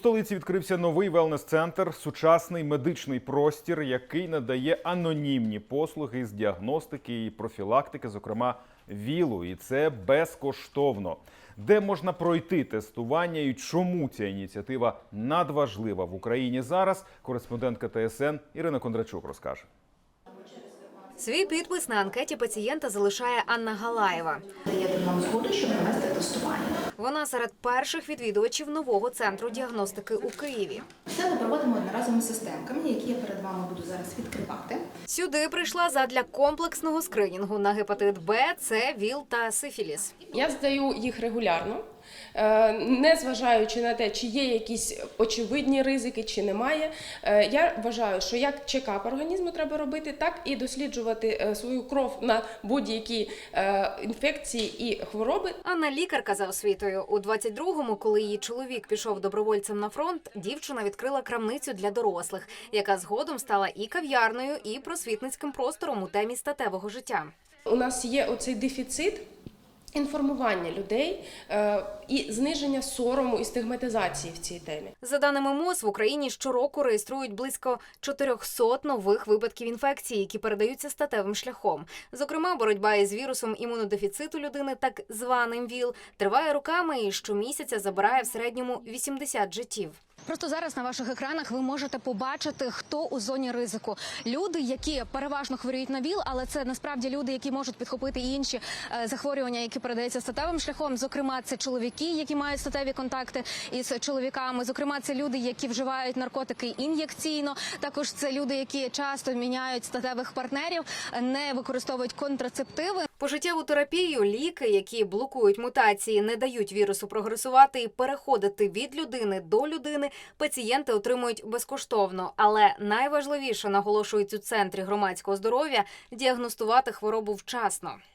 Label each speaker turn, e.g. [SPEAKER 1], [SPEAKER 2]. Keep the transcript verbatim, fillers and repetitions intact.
[SPEAKER 1] столиці відкрився новий велнес-центр, сучасний медичний простір, який надає анонімні послуги з діагностики і профілактики, зокрема ВІЛу. І це безкоштовно. Де можна пройти тестування і чому ця ініціатива надважлива в Україні зараз, кореспондентка Т С Н Ірина Кондрачук розкаже.
[SPEAKER 2] Свій підпис на анкеті пацієнта залишає Анна Галаєва.
[SPEAKER 3] Даєте нам згоду, щоб провести тестування.
[SPEAKER 2] Вона серед перших відвідувачів нового центру діагностики у Києві.
[SPEAKER 3] Все ми проводимо одноразовими системками, які я перед вами буду зараз відкривати.
[SPEAKER 2] Сюди прийшла задля комплексного скринінгу на гепатит Б, С, ВІЛ та сифіліс.
[SPEAKER 4] Я здаю їх регулярно, не зважаючи на те, чи є якісь очевидні ризики, чи немає. Я вважаю, що як чекап організму треба робити, так і досліджувати свою кров на будь-які інфекції і хвороби.
[SPEAKER 2] Анна лікарка за освітою. У двадцять другому, коли її чоловік пішов добровольцем на фронт, дівчина відкрила крамницю для дорослих, яка згодом стала і кав'ярною, і просвітницьким простором у темі статевого життя.
[SPEAKER 4] У нас є оцей дефіцит інформування людей е, і зниження сорому і стигматизації в цій темі.
[SPEAKER 2] За даними ем о з, в Україні щороку реєструють близько чотирьохсот нових випадків інфекції, які передаються статевим шляхом. Зокрема, боротьба із вірусом імунодефіциту людини, так званим ВІЛ, триває роками і щомісяця забирає в середньому вісімдесят життів.
[SPEAKER 5] Просто зараз на ваших екранах ви можете побачити, хто у зоні ризику. Люди, які переважно хворіють на ВІЛ, але це насправді люди, які можуть підхопити і інші е, захворювання, які передаються статевим шляхом. Зокрема, це чоловіки, які мають статеві контакти із чоловіками. Зокрема, це люди, які вживають наркотики ін'єкційно. Також це люди, які часто міняють статевих партнерів, не використовують контрацептиви.
[SPEAKER 2] Пожиттєву терапію, ліки, які блокують мутації, не дають вірусу прогресувати і переходити від людини до людини, пацієнти отримують безкоштовно. Але найважливіше, наголошують у Центрі громадського здоров'я, діагностувати хворобу вчасно.